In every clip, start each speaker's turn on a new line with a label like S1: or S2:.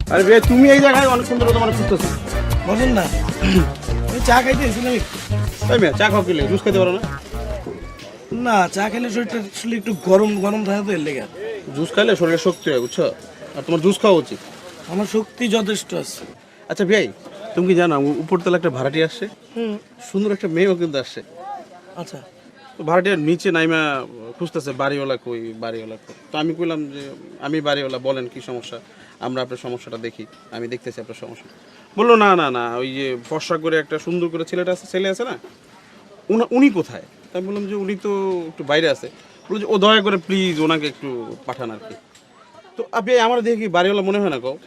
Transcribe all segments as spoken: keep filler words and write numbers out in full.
S1: আরে ভাই তুমি এই জায়গায় অনেক সুন্দর তোমার খুঁজতেছো।
S2: বলেন না, আমি চা খাইতে এসেছিলাম একটু।
S1: তাই মেয়ে চা খাও কিলে জুস খেতে পারো না?
S2: না, চা খেলে শরীরটা আসলে একটু গরম গরম থাকে তো এর লেগে।
S1: জুস খাইলে শরীরে শক্তি হয় বুঝছো, আর তোমার জুস খাওয়া উচিত।
S2: আমার শক্তি যথেষ্ট আছে।
S1: আচ্ছা ভাই তুমি কি জানো উপরতলা একটা ভাড়াটি আসছে,
S2: হুম।
S1: সুন্দর একটা মেয়েও কিন্তু আসছে।
S2: আচ্ছা,
S1: তো ভাড়াটিয়ার নিচে নাইমা খুঁজতেছে বাড়িওয়ালা কই বাড়িওয়ালা কই। তো আমি কইলাম যে আমি বাড়িওয়ালা, বলেন কি সমস্যা, আমরা আপনার সমস্যাটা দেখি, আমি দেখতেছি আপনার সমস্যা। বললো না না না ওই যে ফর্সা করে একটা সুন্দর করে ছেলেটা আছে, ছেলে আছে না, উনি উনি কোথায়? তাই বললাম যে উনি তো একটু বাইরে আছে। বললো যে ও দয়া করে প্লিজ ওনাকে একটু পাঠান আর কি। তো আপনি আমার দেখে কি বাড়িওয়ালা মনে হয় না কও?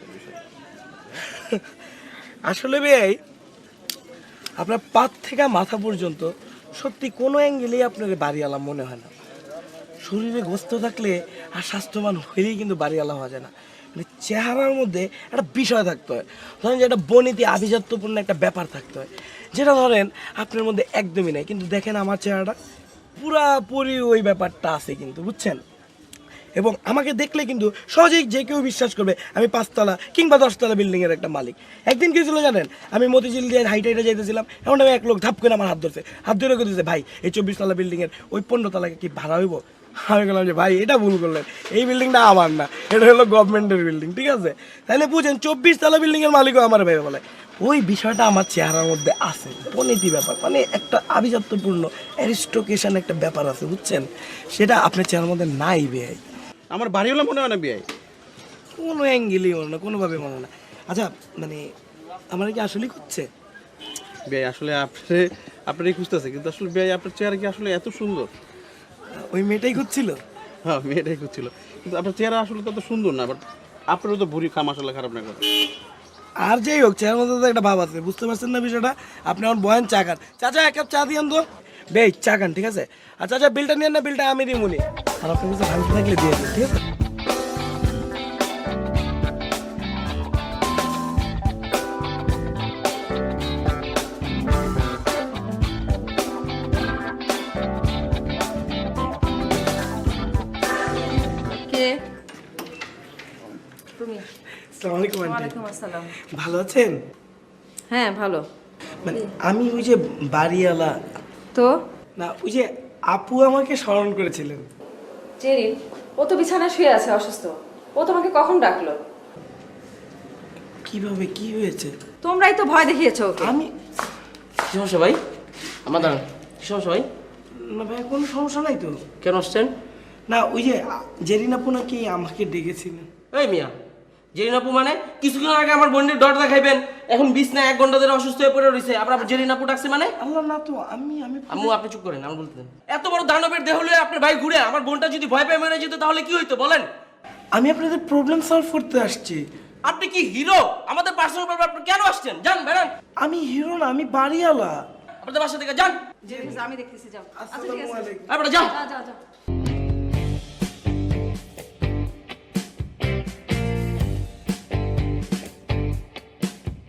S2: আসলে ভাই আপনার পাত থেকে মাথা পর্যন্ত সত্যি কোনো অ্যাঙ্গেলেই আপনার বাড়িওয়ালা মনে হয় না। শরীরে গোস্ত থাকলে আর স্বাস্থ্যবান হইলেই কিন্তু বাড়িওয়ালা হওয়া যায় না। মানে চেহারার মধ্যে একটা বিষয় থাকতে হয়, ধরেন যে একটা বনীতি আভিজাত্যপূর্ণ একটা ব্যাপার থাকতে হয়, যেটা ধরেন আপনার মধ্যে একদমই নাই। কিন্তু দেখেন আমার চেহারাটা পুরাপুরি ওই ব্যাপারটা আছে কিন্তু, বুঝছেন? এবং আমাকে দেখলে কিন্তু সহজেই যে কেউ বিশ্বাস করবে আমি পাঁচতলা কিংবা দশতলা বিল্ডিংয়ের একটা মালিক। একদিন কি ছিল জানেন, আমি মতিঝিল দিয়ে হাইটে হাইটে যেতেছিলাম, এমন আমি এক লোক ধাপ করে আমার হাত ধরছে, হাত ধরে দিয়েছে, ভাই এই চব্বিশ তলা বিল্ডিংয়ের ওই পনেরো তলাকে কি ভাড়া হইব? আমি বললাম যে ভাই এটা ভুল করলেন, এই বিল্ডিংটা আমার না, এটা হলো গভর্নমেন্টের বিল্ডিং, ঠিক আছে? তাহলে বুঝেন চব্বিশ তলা বিল্ডিংয়ের মালিকও আমার ভাই বলে। ওই বিষয়টা আমার চেহারার মধ্যে আছে, পনিতি ব্যাপার, মানে একটা আভিজাত্যপূর্ণ অ্যারিস্টোকেশন একটা ব্যাপার আছে, বুঝছেন? সেটা আপনার চেহারার মধ্যে নাই ভাই।
S1: আমার বাড়িওয়ালা মনে হয় না বিয়াই,
S2: কোনো অ্যাঙ্গেলই মনে না, কোনোভাবে মনে না। আচ্ছা মানে আমার কি আসলেই করছে?
S1: বিয়াই আসলে আপনি আপনারই খুঁজতেছে, কিন্তু আসলে বিয়াই আপনার চেহারা কি আসলে এত সুন্দর?
S2: ওই মেয়েটাই খুঁজছিল।
S1: হ্যাঁ মেয়েটাই খুঁজছিল, কিন্তু আপনার চেহারা আসলে তত সুন্দর না, বাট আপনারও তো ভুড়ি খাম আসলে খারাপ না করে।
S2: আর যাই হোক, চেহারার মধ্যে তো একটা ভাব আছে, বুঝতে পারছেন না বিষয়টা? আপনি আমার বয়ান চা খান, চাচা এক কাপ চা দিয়ান তো। বে চা খান, ঠিক আছে? আচ্ছা আচ্ছা বিলটা নিয়েন না, বিলটা আমি দিই মনে, আর আপনার কাছে ভাঙতে থাকলে দিয়ে দিন, ঠিক আছে?
S3: কে তুমি?
S2: আসসালামু আলাইকুম আন্টি।
S3: ওয়ালাইকুম আসসালাম।
S2: ভালো আছেন?
S3: হ্যাঁ ভালো।
S2: মানে আমি ওই যে বাড়িওয়ালা,
S3: তো
S2: না ওই যে আপু আমাকে স্মরণ করেছিলেন।
S3: জেরিন, ও তো বিছানায় শুয়ে আছে অসুস্থ, ও তোমাকে কখন ডাকলো?
S2: কিভাবে, কি হয়েছে?
S3: তোমরাই তো ভয় দেখিয়েছো ওকে।
S2: আমি
S4: কি সমস্যা ভাই? আমার দাঁড়ান, কি সমস্যা ভাই?
S2: না ভাই কোনো সমস্যা নাই তো।
S4: কেন আসছেন?
S2: না ওই যে জেরিন আপু নাকি আমাকে ডেকেছিলেন।
S4: এই মিয়া, জেরিন আপু মানে কিছুক্ষণ আগে আমার বোনের ডট দেখাইবেন, এখন বিছনায় এক ঘন্টা ধরে অসুস্থ হয়ে পড়ে রয়েছে, আপনার জেরিন আপু ডাকছে মানে?
S2: আল্লাহ না তো, আমি আমি
S4: আম্মু আপনি চুপ করেন, আমার বলতে দেন। এত বড় দানবের দেহ হলে আপনার ভাই ঘুরে আমার বোনটা যদি ভয় পেয়ে মেরে যেত তাহলে কি হইতো বলেন?
S2: আমি আপনাদের প্রবলেম সলভ করতে আসছি।
S4: আপনি কি হিরো? আমাদের পার্সোনাল ব্যাপার আপনি কেন আসছেন? যান বেরান,
S2: আমি হিরো না, আমি বাড়িওয়ালা।
S4: আপনাদের বাসা থেকে যান।
S3: জেরিন আমি দেখতেছি, যাও। আচ্ছা ঠিক
S2: আসসালামু
S3: আছে,
S2: আলাইকুম।
S4: আপনারা যান।
S3: যা যা যা।